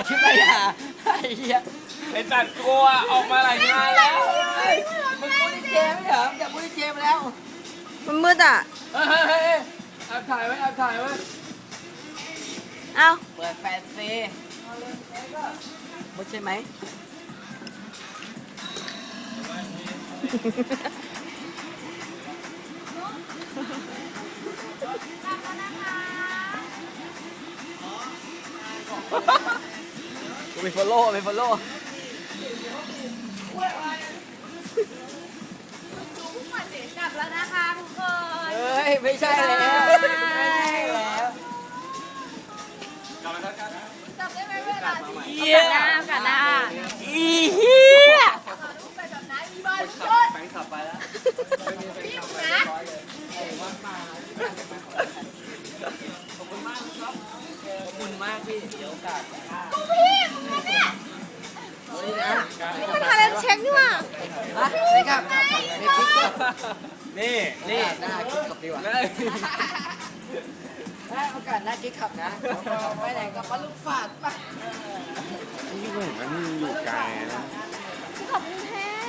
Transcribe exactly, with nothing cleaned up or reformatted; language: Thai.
คลิปอะไรอ่ะไอ้เหี้ยไอ้จัดกลัวออกมาหลายงานแล้วมึงพูดที่เจไม่เหรอมึงอยากพูดที่เจมาแล้วมันมืดอ่ะเฮ้ยเฮ้ยเฮ้ยแอบถ่ายไว้แอบถ่ายไว้เอ้าเปิดแฟนซีมุดใช่ไหมกูมีฟอลโล่มีฟอลโล่กลับแล้วนะคะทุกคนเฮ้ย ไม่ใช่แล้วไม่ใช่แล้วกลับมาแล้วกันกลับได้ไหมเวลาที่เหี้ยกลับหน้ากลับหน้าอีเหี้ยไปแบบนั้นมีบอลขับแฟนขับไปแล้วพี่มึงนะขอบคุณมากครับขอบคุณมากพี่เดี๋ยวโอกาสหน้าพี่มึงนะเนี่ยเอาดินะนี่มันทาเลนเช็คนี่หว่าฮะนี่ครับไม่คิดครับนี่นี่หน้าคิดขับดีกว่าเลยได้โอกาสหน้าคิดขับนะไปไหนก็มาลูกฝาดปะนี่ก็เห็นว่านี่อยู่ไกลนะ